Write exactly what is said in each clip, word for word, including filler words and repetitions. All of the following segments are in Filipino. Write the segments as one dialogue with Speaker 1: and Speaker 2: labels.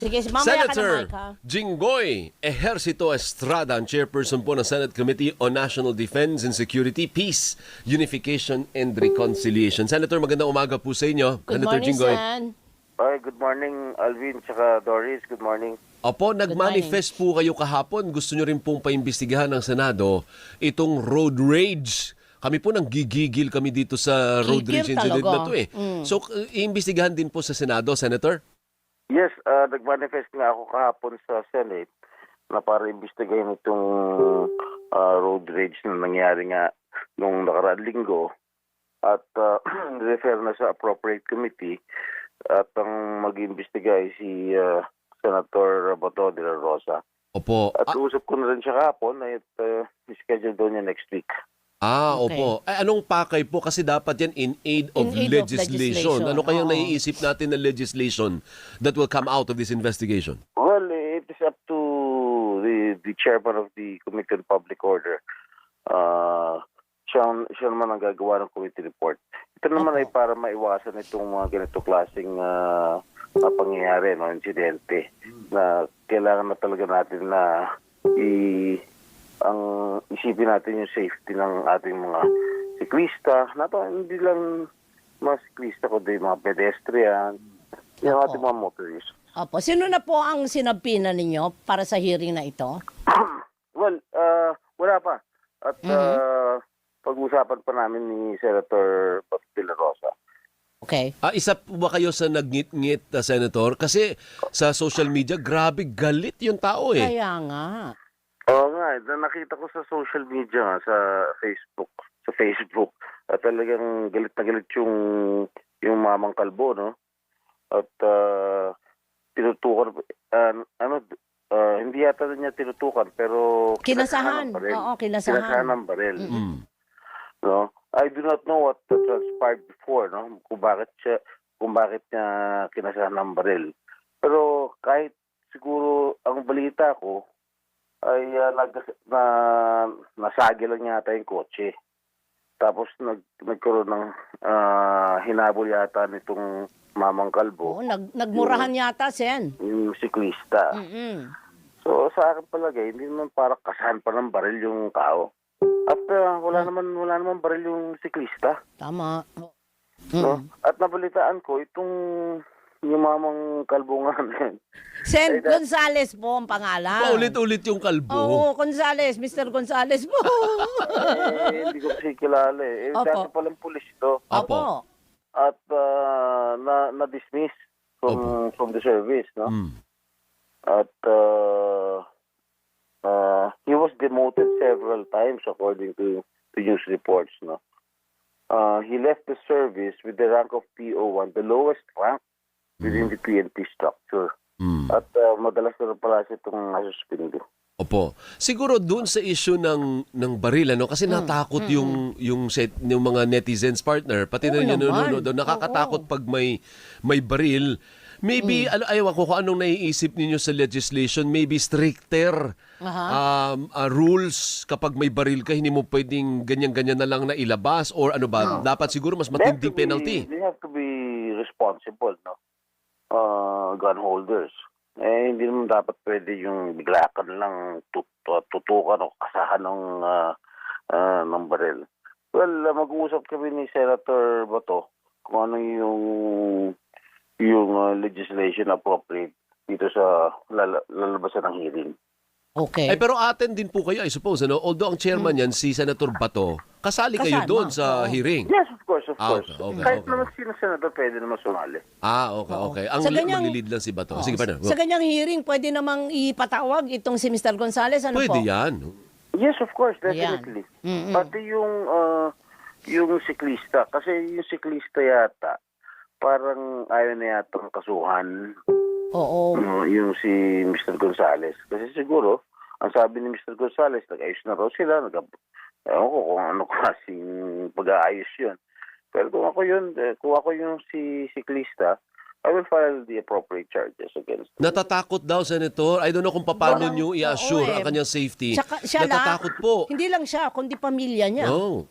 Speaker 1: Sige, mamaya ka na,
Speaker 2: Senator
Speaker 1: Mike, ha?
Speaker 2: Jinggoy Ejercito Estrada, ang chairperson po ng Senate Committee on National Defense and Security, Peace, Unification and Reconciliation. Senator, magandang umaga po sa inyo.
Speaker 1: Good
Speaker 2: Senator
Speaker 1: morning,
Speaker 2: Jinggoy.
Speaker 1: Sen.
Speaker 3: Hi, good morning, Alvin, tsaka Doris. Good morning.
Speaker 2: Opo, nag-manifest po kayo kahapon. Gusto nyo rin pong paimbestigahan ng Senado itong road rage. Kami po nang gigigil kami dito sa road
Speaker 1: Gigil
Speaker 2: rage incident
Speaker 1: talaga.
Speaker 2: na to eh.
Speaker 1: Mm.
Speaker 2: So, uh, iimbestigahan din po sa Senado, Senator?
Speaker 3: Yes, uh, nag-manifest nga ako kahapon sa Senate na para imbestigahin itong uh, road rage na nangyari nga nung nakaraang linggo at uh, refer na sa appropriate committee at ang mag-imbestiga ay si uh, Senator Bato de la Rosa.
Speaker 2: Opo.
Speaker 3: At
Speaker 2: Ah,
Speaker 3: usap ko na rin siya kahapon at uh, schedule doon niya next week.
Speaker 2: ah
Speaker 1: Okay.
Speaker 2: opo. Ay, anong pakay po? Kasi dapat yan in aid of,
Speaker 1: In aid of
Speaker 2: legislation.
Speaker 1: legislation,
Speaker 2: Ano kayang
Speaker 1: oo.
Speaker 2: naiisip natin na legislation that will come out of this investigation?
Speaker 3: Well, it is up to the the chairman of the Committee on Public Order. Uh, siya, siya naman ang gagawa ng committee report. Ito naman
Speaker 1: Opo.
Speaker 3: ay para maiwasan itong mga ganito klaseng uh, na pangyayari, no, insidente, na kailangan na talaga natin na i ang isipin natin yung safety ng ating mga siklista. Nato, hindi lang mga siklista, kundi mga pedestrian, yung
Speaker 1: Opo.
Speaker 3: ating mga motorists.
Speaker 1: Opo. Sino na po ang sinabpina ninyo para sa hearing na ito?
Speaker 3: Well, uh, wala pa. At
Speaker 1: Mhm.
Speaker 3: uh, pag-usapan pa namin ni Senator Bato de la Rosa.
Speaker 1: Okay.
Speaker 2: Ah, isa po ba kayo sa nagngit-ngit, uh, Senator? Kasi sa social media, grabe galit yung tao eh.
Speaker 1: Kaya nga.
Speaker 3: Oo nga, eh, na- nakita ko sa social media nga, sa Facebook, sa Facebook, at talagang galit na galit yung yung mamang kalbo, no? At uh, tinutukan, uh, ano, uh, hindi yata niya tinutukan, pero
Speaker 1: Kinasahan.
Speaker 3: ng baril.
Speaker 1: Oo,
Speaker 3: Kinasahan
Speaker 1: kinasahan.
Speaker 3: ng baril.
Speaker 2: Mm.
Speaker 3: No? I do not know what transpired before, no? Kung bakit siya, kung bakit niya kinasahan ng baril. Pero kahit siguro ang balita ko ay uh, nag, na, nasagi lang yata yung kotse. Tapos nag, nagkaroon ng ah, hinabol yata nitong mamang kalbo,
Speaker 1: Oo, nag, nagmurahan yata, Sen.
Speaker 3: yung siklista.
Speaker 1: Mm-mm.
Speaker 3: So sa akin palagay, hindi naman para kasahan pa ng baril yung tao. At uh, wala naman wala naman baril yung siklista.
Speaker 1: Tama.
Speaker 3: No?
Speaker 1: Mm.
Speaker 3: At nabalitaan ko itong yung mamang kalbo nga na yun.
Speaker 1: Sen
Speaker 3: Ay, that-
Speaker 1: Gonzales po ang pangalan.
Speaker 2: Paulit-ulit yung kalbo.
Speaker 1: Oo, Gonzales. Mister Gonzales po.
Speaker 3: Eh, hindi ko kasi kilala eh. eh
Speaker 1: Opo.
Speaker 3: dati palang pulis to.
Speaker 1: Opo.
Speaker 3: At uh, na, na-dismiss from, from the service, no?
Speaker 2: Mm.
Speaker 3: At uh, uh, he was demoted several times according to, to news reports, no? Uh, he left the service with the rank of P O one, the lowest rank within the P N P structure.
Speaker 2: Mm.
Speaker 3: At uh, madalas na rin pala siya itong nasuspindo.
Speaker 2: Opo. Siguro doon sa issue ng ng baril ano kasi natakot yung yung set yung mga netizens partner pati
Speaker 1: Oo
Speaker 2: na yung
Speaker 1: naman.
Speaker 2: nanonood doon nakakatakot pag may may baril. Maybe ano ayaw ko kung anong naiisip ninyo sa legislation, maybe stricter
Speaker 1: Aha.
Speaker 2: um, uh, rules kapag may baril ka hindi mo pwedeng ganyan-ganyan na lang na ilabas or ano ba dapat siguro mas
Speaker 3: They have
Speaker 2: matinding
Speaker 3: to be-
Speaker 2: penalty.
Speaker 3: They have to be responsible, no? Uh, gun holders. Eh, hindi naman dapat pwede yung bigla ka na lang tut- uh, tutukan o kasahan ng, uh, uh, ng baril. Well, uh, mag-uusap kami ni Senator Bato kung ano yung yung uh, legislation appropriate dito sa lala- lalabasan ng hearing.
Speaker 1: Okay.
Speaker 2: Ay pero atin din po kayo I suppose ano although ang chairman yan si Senator Bato kasali kayo
Speaker 1: Kasama,
Speaker 2: doon sa
Speaker 1: oo.
Speaker 2: hearing.
Speaker 3: Yes, of course, of
Speaker 2: Ah,
Speaker 3: course.
Speaker 2: okay, okay,
Speaker 3: Kahit
Speaker 2: okay.
Speaker 3: naman sino senador pwede naman sumali.
Speaker 2: Ah, okay,
Speaker 1: Oo.
Speaker 2: okay. Ang
Speaker 1: Sa ganyang-
Speaker 2: maglilid lang si Bato.
Speaker 1: Oo.
Speaker 2: Sige pa na.
Speaker 1: Sa ganyang hearing, pwede namang ipatawag itong si Mister Gonzales. Ano
Speaker 2: Pwede
Speaker 1: po?
Speaker 2: yan.
Speaker 3: Yes, of course,
Speaker 1: Yan.
Speaker 3: definitely.
Speaker 1: Mm-mm.
Speaker 3: Pati yung uh, yung siklista, kasi yung siklista yata, parang ayaw na yata ang kasuhan
Speaker 1: Oo.
Speaker 3: uh, yung si Mister Gonzales. Kasi siguro, ang sabi ni Mister Gonzales, nag-ayos na raw sila, nag ewan ko kung ano klaseng pag-aayos yun. Pero kung ako yun, eh, kung ako yung si siklista, I will file the appropriate charges against him.
Speaker 2: Natatakot daw, Senator. I don't know kung paano
Speaker 1: Walang-
Speaker 2: nyo i-assure
Speaker 1: oo eh.
Speaker 2: ang kanyang safety.
Speaker 1: Tsaka siya lang,
Speaker 2: Natatakot po.
Speaker 1: hindi lang siya, kundi pamilya niya.
Speaker 2: Oh.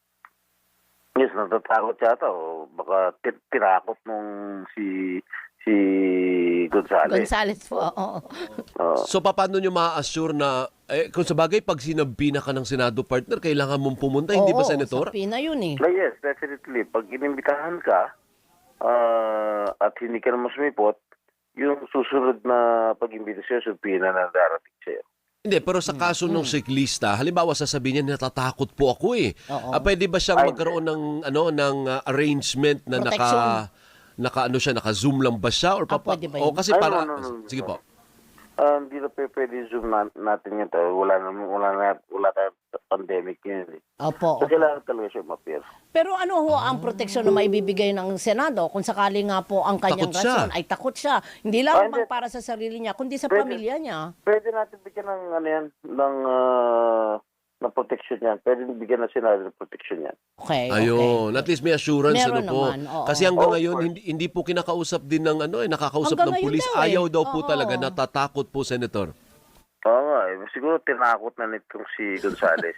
Speaker 3: Yes, natatakot yata. O baka ti- tirakot nung si si Gonzales.
Speaker 1: Gonzales po, oo.
Speaker 3: Oo.
Speaker 2: So paano nyo ma-assure na, eh, kung sa bagay, pag sinabi na ka ng Senado partner, kailangan mong pumunta, hindi ba,
Speaker 1: Oo,
Speaker 2: Senator?
Speaker 1: sa Pina yun eh.
Speaker 3: Ah, yes, definitely. Pag inimbitahan ka ah, at hindi ka naman sumipot, yung susunod na pag-imbitasyon, supina na darating sa'yo.
Speaker 2: Hindi, pero sa kaso ng siklista, halimbawa sasabihin niya, natatakot po ako eh.
Speaker 1: Oo.
Speaker 2: Ah, pwede ba siyang
Speaker 3: Ay,
Speaker 2: magkaroon ng ano ng ah, arrangement na naka
Speaker 1: Protection.
Speaker 2: naka ano siya, naka-zoom lang ba siya or
Speaker 1: Ah,
Speaker 2: papa?
Speaker 1: pwede ba
Speaker 2: O
Speaker 1: yun?
Speaker 2: kasi
Speaker 3: Ay,
Speaker 2: para
Speaker 3: no, no, no, no.
Speaker 2: sige po.
Speaker 3: Ah, hindi na pe- pwede zoom na, natin yun. Tayo. Wala na, wala na, wala tayong pandemic yun. Eh.
Speaker 1: Opo.
Speaker 3: So, kailangan talaga siya ma-appear.
Speaker 1: Pero ano ho ang proteksyon na maibibigay ng Senado kung sakali nga po ang kanyang
Speaker 2: Takot siya.
Speaker 1: rason ay takot siya. Hindi
Speaker 3: Ah,
Speaker 1: lang
Speaker 3: hindi.
Speaker 1: para sa sarili niya, kundi sa
Speaker 3: Pwede.
Speaker 1: pamilya niya.
Speaker 3: Pwede natin bigyan ng, ano yan, ng, ah, ng protection yan. Pwede bigyan ng Senado ng protection yan.
Speaker 1: Okay,
Speaker 2: Ayun,
Speaker 1: okay.
Speaker 2: at least may assurance
Speaker 1: Meron
Speaker 2: ano po.
Speaker 1: naman, oo.
Speaker 2: Kasi hanggang
Speaker 3: Of
Speaker 2: ngayon
Speaker 3: course.
Speaker 2: hindi, hindi po kinakausap din ng ano eh nakakausap
Speaker 1: Hanggang
Speaker 2: ng
Speaker 1: ngayon
Speaker 2: pulis.
Speaker 1: daw eh.
Speaker 2: Ayaw daw po
Speaker 1: Oo.
Speaker 2: talaga, natatakot po, Senator.
Speaker 3: Oo nga, eh. Siguro tinakot na nitong si Gonzales.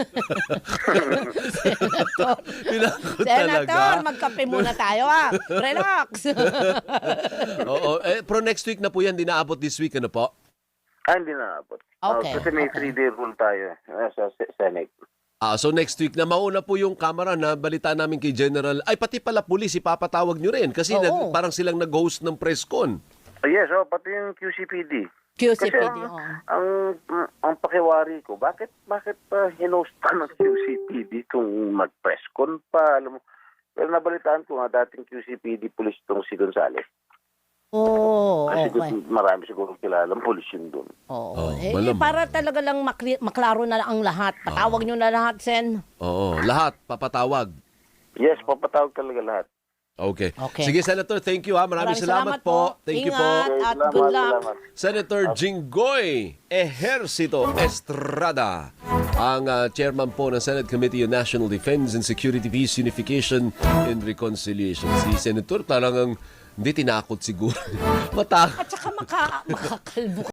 Speaker 1: Senator,
Speaker 2: Tinakot
Speaker 1: Senator,
Speaker 2: talaga.
Speaker 1: magkape muna tayo ah. Relax.
Speaker 2: Oo, eh, pero next week na po yan, di naabot this week, ano po?
Speaker 3: ah, hindi na abot.
Speaker 1: Okay,
Speaker 3: kasi may
Speaker 1: okay.
Speaker 3: three-day rule tayo eh, sa Se- Senate.
Speaker 2: Ah, so next week na mauna po yung camera na balita namin kay General. Ay, pati pala pulis, ipapatawag nyo rin. Kasi
Speaker 1: Oo.
Speaker 2: nag- parang silang nag-host ng press con.
Speaker 3: Ah, yes, oh, pati yung Q C P D.
Speaker 1: Q C P
Speaker 3: Kasi
Speaker 1: D,
Speaker 3: ang,
Speaker 1: oo.
Speaker 3: ang, ang pakiwari ko, bakit bakit pa hinost pa ng Q C P D kung mag-press con pa, alam mo. Pero nabalitaan ko nga dating Q C P D police tong si Gonzales.
Speaker 1: Oo,
Speaker 3: Kasi
Speaker 1: okay.
Speaker 3: marami siguro kilalang police yun doon.
Speaker 1: Oo.
Speaker 2: Oh,
Speaker 1: eh,
Speaker 2: malamang.
Speaker 1: para talaga lang makli- maklaro na ang lahat. Patawag nyo na lahat, Sen.
Speaker 2: Oo, lahat papatawag.
Speaker 3: Yes, papatawag talaga lahat.
Speaker 2: Okay.
Speaker 1: Okay.
Speaker 2: Sige, Senator, thank you ha. Maraming,
Speaker 1: Maraming
Speaker 2: salamat,
Speaker 1: salamat
Speaker 2: po.
Speaker 1: po.
Speaker 2: Thank you
Speaker 1: Ingat.
Speaker 2: po.
Speaker 1: At
Speaker 3: salamat,
Speaker 1: good luck.
Speaker 3: salamat.
Speaker 2: Senator Jinggoy Ejercito Estrada, ang ah, chairman po ng Senate Committee on National Defense and Security, Peace, Unification, and Reconciliation. Si Senator talagang hindi tinakot siguro. Matakot.
Speaker 1: At saka maka, makakalbo